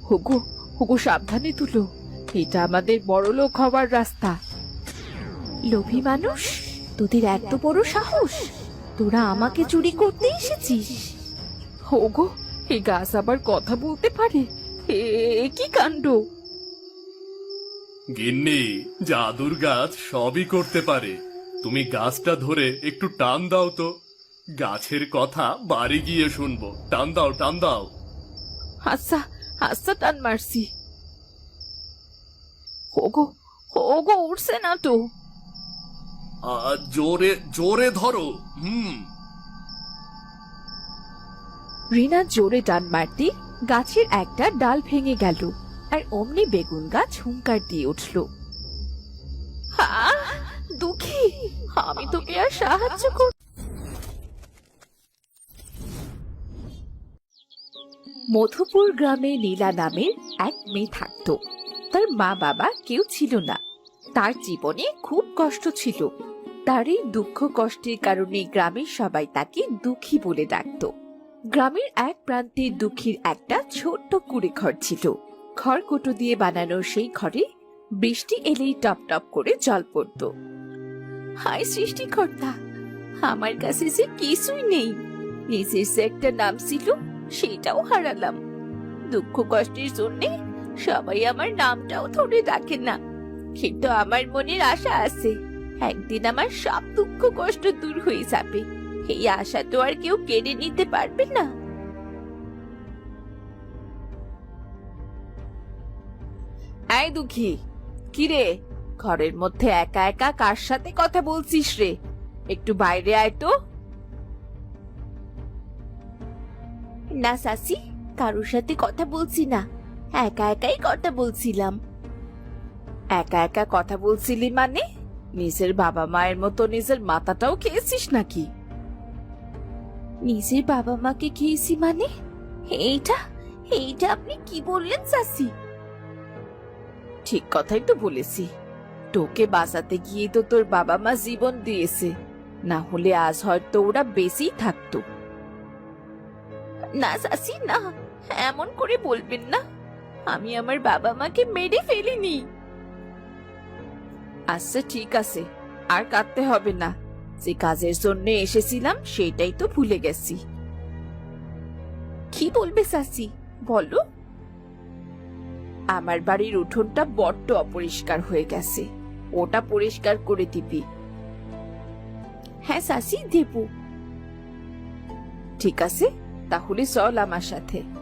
হুগু হুগু সাবধানে তুলো, এটা আমাদের বড়লোক হবার রাস্তা। লোভী মানুষ, তোদের এত বড় সাহস! তোরা আমাকে চুরি করতে এসেছিস? ওগো, এই গাছ আবার কথা বলতে পারে? এ কি কাণ্ড! গিন্নি, জাদুর গাছ সবই করতে পারে। তুমি গাছটা ধরে একটু টান দাও তো, গাছের কথা বাড়ি গিয়ে শুনবো। টান দাও, টান দাও। আচ্ছা আচ্ছা, টান মারছি। ওগো ওগো, উঠছে না তো। জোরে জোরে ধরো। রিনা জোরে টান মারতে গাছের একটা ডাল ভেঙে গেল, আর অমনি বেগুন গাছ হুঙ্কার দিয়ে উঠল। দুঃখী, আমি তোকে আর সাহায্য কর। মধুপুর গ্রামে নীলা নামের এক মেয়ে থাকত। তার মা বাবা কেউ ছিল না। তার জীবনে খুব কষ্ট ছিল। তার এই দুঃখ কষ্টের কারণে গ্রামের সবাই তাকে দুঃখী বলে ডাকত। গ্রামের এক প্রান্তে দুঃখীর একটা ছোট্ট কুড়ে ঘর ছিল। খড়কুটো দিয়ে বানানো সেই ঘরে বৃষ্টি এলেই টপ টপ করে জল পড়ত। হায় সৃষ্টিকর্তা, আমার কাছে যে কিছুই নেই। নিজের যে একটা নাম ছিল সেটাও হারালাম। দুঃখ কষ্টের জন্য সবাই আমার নামটাও ধরে ডাকে না। কিন্তু আমার মনের আশা আছে, একদিন আমার সব দুঃখ কষ্ট দূর হয়ে যাবে। এই আশা তো আর কেউ কেড়ে নিতে পারবে না। এই দুঃখী, কিরে, ঘরের মধ্যে একা একা কার সাথে কথা বলছিস রে? একটু বাইরে আয় তো। না সাসি, কারোর সাথে কথা বলছি না, একা একাই কথা বলছিলাম। একা একা কথা বলছিলি মানে? নিজের বাবা মায়ের মতো নিজের মাথাটাও খেয়েছিস নাকি? নিজের বাবা মাকে খেয়েছি মানে? এইটা এইটা আপনি কি বললেন সাসি? ঠিক কথাই তো বলেছি। তোকে বাঁচাতে গিয়ে তো তোর বাবা মা জীবন দিয়েছে, না হলে আজ হয়তো ওরা বেঁচেই থাকতো। না সাসি না, এমন করে বলবেন না। আমি আমার বাবা মাকে মেরে ফেলিনি। আচ্ছা ঠিক আছে, আর কাঁদতে হবে না। যে কাজের জন্য এসেছিলাম সেটাই তো ভুলে গেছি। কি বলবে সাসি, বলো। আমার বাড়ির উঠোনটা বড্ড অপরিষ্কার হয়ে গেছে, ওটা পরিষ্কার করে দিবি। হ্যাঁ সাসি, দেব। ঠিক আছে, তাহলে চল আমার সাথে।